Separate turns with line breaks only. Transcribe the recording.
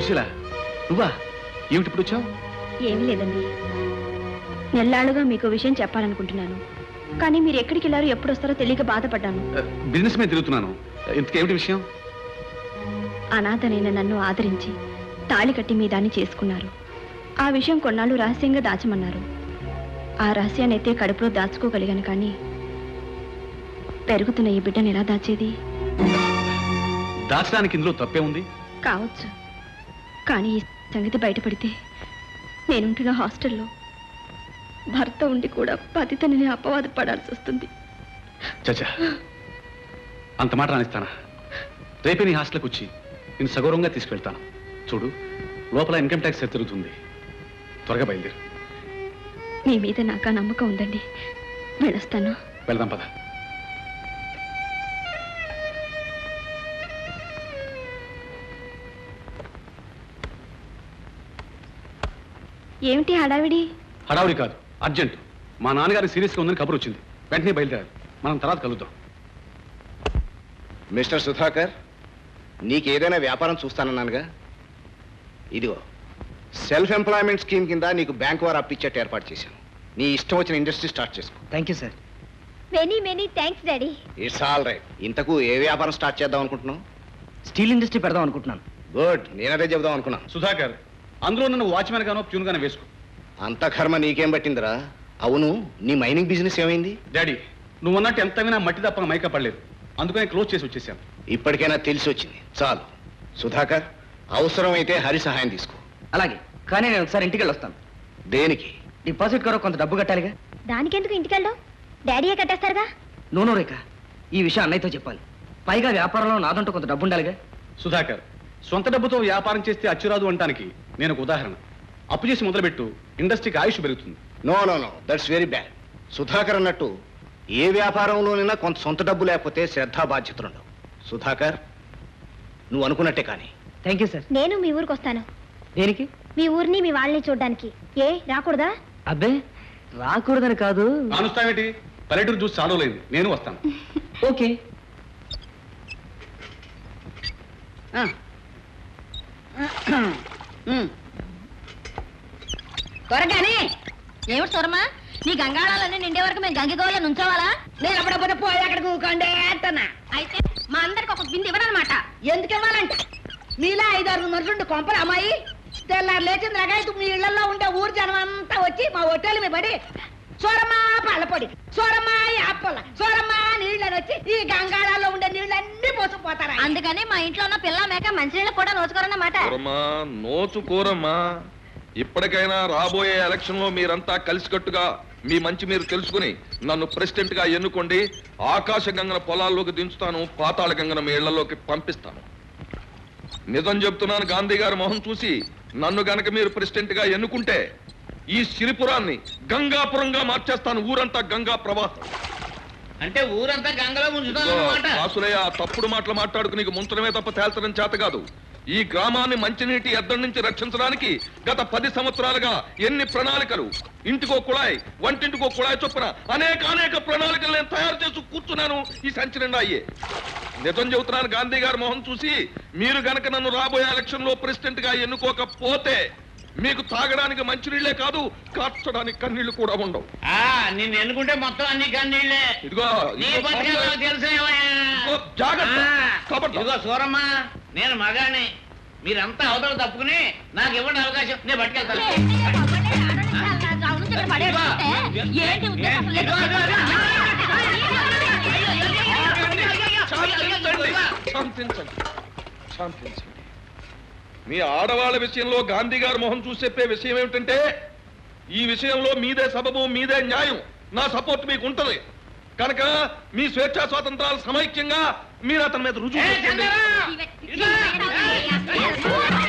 సుశీల నువ్వా? ఏమిటి ఇప్పుడు వచ్చావు?
ఏమీ లేదండి, నెల్లాళ్ళుగా మీకు విషయం చెప్పాలనుకుంటున్నాను, కానీ మీరు ఎక్కడికి వెళ్ళారో ఎప్పుడు వస్తారో తెలియక బాధపడ్డాను.
బిజినెస్ మీద తిరుగుతున్నాను. ఇంతకేమిటి విషయం?
అనాథనైన నన్ను ఆదరించి తాళి కట్టి మీ దాన్ని చేసుకున్నారు. ఆ విషయం కొన్నాళ్ళు రహస్యంగా దాచమన్నారు. ఆ రహస్యాన్ని అయితే కడుపులో దాచుకోగలిగాను, కానీ పెరుగుతున్న ఈ బిడ్డను ఎలా దాచేది?
దాచడానికి ఇందులో తప్పే ఉంది
కావచ్చు, కానీ ఈ సంగతి బయటపడితే నేనుంటున్న హాస్టల్లో భర్త ఉండి కూడా పతితని అపవాదు పడాల్సి వస్తుంది.
చచ్చా, అంత మాట రానిస్తానా? రేపే నీ హాస్టల్కి వచ్చి నేను సగౌరవంగా తీసుకెళ్తాను. చూడు, లోపల ఇన్కమ్ ట్యాక్స్ తిరుగుతుంది. త్వరగా బయలుదేరు.
మీ మీద నాకు ఆ నమ్మకం ఉందండి, వెళ్ళొస్తాను.
వెళ్దాం పద.
ఏమిటి హడావిడి?
హడావుడి కాదు, అర్జెంట్. మా నాన్నగారి సీరియస్గా ఉందని కబురు వచ్చింది. వెంటనే బయలుదేరాలి. మనం తర్వాత కలుద్దాం.
మిస్టర్ సుధాకర్, నీకేదైనా వ్యాపారం చూస్తానన్నానుగా. ఇదిగో సెల్ఫ్ ఎంప్లాయ్మెంట్ స్కీమ్ కింద నీకు బ్యాంక్ వారు అప్పిచ్చేట్టు ఏర్పాటు చేశాను. నీ ఇష్టం వచ్చిన ఇండస్ట్రీ స్టార్ట్ చేసుకో.
Thank you sir.
Many thanks daddy.
It's all right. ఇంతకు ఏ వ్యాపారం స్టార్ట్ చేద్దాం అనుకుంటున్నావు?
స్టీల్ ఇండస్ట్రీ పెడదాం అనుకుంటున్నాను.
గుడ్, నేనదే చెబుదాం అనుకున్నాను.
సుధాకర్, అందులో నన్ను వాచ్మెన్ గానో ప్యూన్ గానో వేసుకో.
అంత కర్మ నీకేం పట్టిందిరా? అవును, నీ మైనింగ్ బిజినెస్ ఏమైంది?
డాడీ, నువ్వు అన్నట్టు ఎంత వినా మట్టి తప్ప మైకా పడలేదు. అందుకని క్లోజ్ చేసి వచ్చేసాను.
ఇప్పటికైనా తెలిసి వచ్చింది, చాలు. సుధాకర్, అవసరమైతే హరి సహాయం తీసుకో.
అలాగే, కానీ నేను ఒకసారి ఇంటికి వెళ్ళొస్తాను.
దేనికి?
డిపాజిట్ కొరకు కొంత డబ్బు కట్టాలిగా.
దానికెందుకు ఇంటికి వెళ్ళావు? డాడీయే కట్టేస్తారుగా.
నూనె రేఖ, ఈ విషయం అన్నయ్యతో చెప్పాలి. పైగా వ్యాపారంలో నాదంటూ కొంత డబ్బు ఉండాలిగా.
సుధాకర్, సొంత డబ్బుతో వ్యాపారం చేస్తే అచ్చురాదు అంటానికి నేను ఒక ఉదాహరణ. అప్పు చేసి మొదలుపెట్టు, ఇండస్ట్రీకి ఆయుష్ పెరుగుతుంది.
No no no, that's very bad. Sudhakar అన్నట్టు ఏ వ్యాపారంలోనైనా కొంత సొంత డబ్బు లేకపోతే శ్రద్ధా బాధ్యతలు ఉండవు. సుధాకర్, నువ్వు అనుకున్నట్టే కానీ.
Thank you sir.
నేను మీ ఊరికి వస్తాను.
దేనికి?
మీ ఊరిని మీ వాళ్ళని చూడడానికి. ఏ రాకూడదా?
అబ్బే, రాకూడదని కాదు.
కానుస్తావేటి? పల్లెటూరు చూసి చాలలేదు. నేను వస్తాను.
ఓకే.
త్వరగానే. ఏమిటి సూరమ్మా, నీ గంగాళాలన్నీ నిండే వరకు మేము గంగిగోళ్ళ నుంచోవాలా? నేను అప్పుడప్పుడు పోయి అక్కడికి ఊకండే అంటున్నా. అయితే మా అందరికి ఒక బింది ఇవ్వనమాట. ఎందుకు ఇవ్వాలంట? మీలా 5-6 మనుషులు కొంపలు అమ్మాయి తెల్లారు లేచింది రకాయతు మీ ఇళ్లలో ఉండే ఊరు జనం అంతా వచ్చి మా హోటల్ మీద పడి సూరమ్మా పళ్ళపొడి, సూరమ్మా యాపల, సూరమ్మా నీళ్ళని వచ్చి ఈ గంగాళాల్లో ఉండే నీళ్ళన్నీ పోసుకుపోతారా. అందుకని మా ఇంట్లో ఉన్న పిల్ల మేక మంచినీళ్ళు కూడా నోచుకోరన్నమాట.
నోచుకోరమ్మా. ఇప్పటికైనా రాబోయే ఎలక్షన్ లో మీరంతా కలిసికట్టుగా మీ మంచి మీరు తెలుసుకుని నన్ను ప్రెసిడెంట్ గా ఎన్నుకోండి. ఆకాశ గంగన పొలాల్లోకి దించుతాను, పాతాళ గంగన మీ ఇళ్లలోకి పంపిస్తాను. నిజం చెప్తున్నాను, గాంధీ గారి మొహం చూసి నన్ను గనక మీరు ప్రెసిడెంట్ గా ఎన్నుకుంటే ఈ సిరిపురాన్ని గంగాపురంగా మార్చేస్తాను. ఊరంతా గంగా ప్రవాహం.
అంటే ఊరంతా గంగలో ముంచుతాను.
వాసులయ్య, తప్పుడు మాటలు మాట్లాడుకు నీకు ముంచడమే తప్ప తేల్చడం చేత కాదు. ఈ గ్రామాన్ని మంచినీటి ఎద్దడి నుంచి రక్షించడానికి గత 10 సంవత్సరాలుగా ఎన్ని ప్రణాళికలు, ఇంటికో కుళాయి, వంటింటికో కుళాయి చొప్పున అనేక ప్రణాళికలు నేను తయారు చేసి కూర్చున్నాను. ఈ సంచి నిండా అయ్యే. నిజం చెబుతున్నాను, గాంధీ గారి మొహం చూసి మీరు గనక నన్ను రాబోయే ఎలక్షన్ లో ప్రెసిడెంట్ గా ఎన్నుకోకపోతే మీకు తాగడానికి మంచినీళ్లే కాదు, కార్చడానికి కన్నీళ్లు కూడా ఉండవు.
నిన్ను ఎన్నుకుంటే మొత్తం అన్ని కన్నీళ్లే.
ఇదిగో
తెలుసు. ఇదిగో సూరమ్మ, నేను మగాని, మీరంతా అవతల తప్పుకుని నాకు ఇవ్వండి అవకాశం, నేను పట్టుకెళ్తాను.
శాంతించండి. మీ ఆడవాళ్ళ విషయంలో గాంధీ గారి మొహం చూసి చెప్పే విషయం ఏమిటంటే, ఈ విషయంలో మీదే సబబు, మీదే న్యాయం, నా సపోర్ట్ మీకు ఉంటది కనుక మీ స్వేచ్ఛా స్వాతంత్రాలు సమైక్యంగా మీరు అతని మీద రుజువు చేసుకోండి.